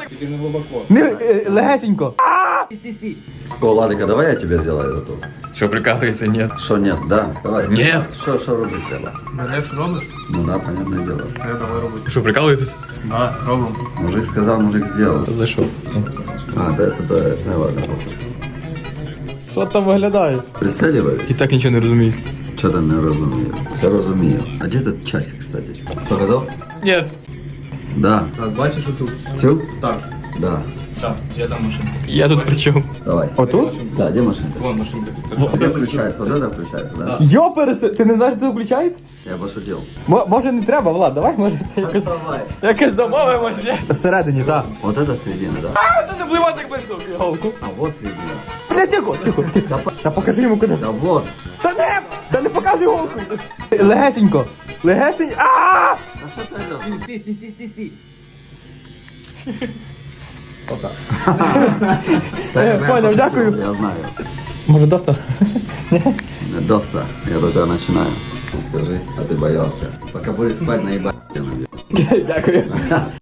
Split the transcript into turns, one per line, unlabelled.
Тільки не глибоко.
Легесенько.
О, Ладика, давай я тебе сделаю эту.
Що, прикалуєшся? Ні.
Что нет, да? Давай.
Нет.
Что робить треба?
Мене ж робиш?
Ну да, понятное дело.
Все, давай робити. Що, прикалуєтесь? Да, робимо.
Мужик сказал, мужик сделал.
Зайшов.
А, да, это не ладно.
Що там виглядає?
Прицеливаюсь.
І так нічого не розумію.
Что то не разумею. Я разумею. А где этот часик, кстати? Кто готов?
Ні.
Да.
Так, бачиш оцю?
Цю?
Так.
Да.
Так, я там машинка.
Я тут при чому?
Давай.
Отут?
Да, где машинка?
Вон машинка.
Вот это включается, вот это включается, да?
Йопереси, ти не знаєш, що це включається?
Я пошутил.
Може не треба, Влад, давай, може це якось...
Давай.
Якось домовимось, ні? Всередині, так.
Вот это середина, да?
Та не вливай так близько в голку.
А вот середина.
Бля, тихо. Та покажи йому куди.
Да вот.
Та не показуй голку. Легесенько. Легесенько. Ааа!
А что ты идешь?
Стій.
Понял, дякую.
Я знаю.
Може доста?
Доста. Я только начинаю. Скажи, а ты боялся. Пока будешь спать, наебать тебя набью.
Дякую.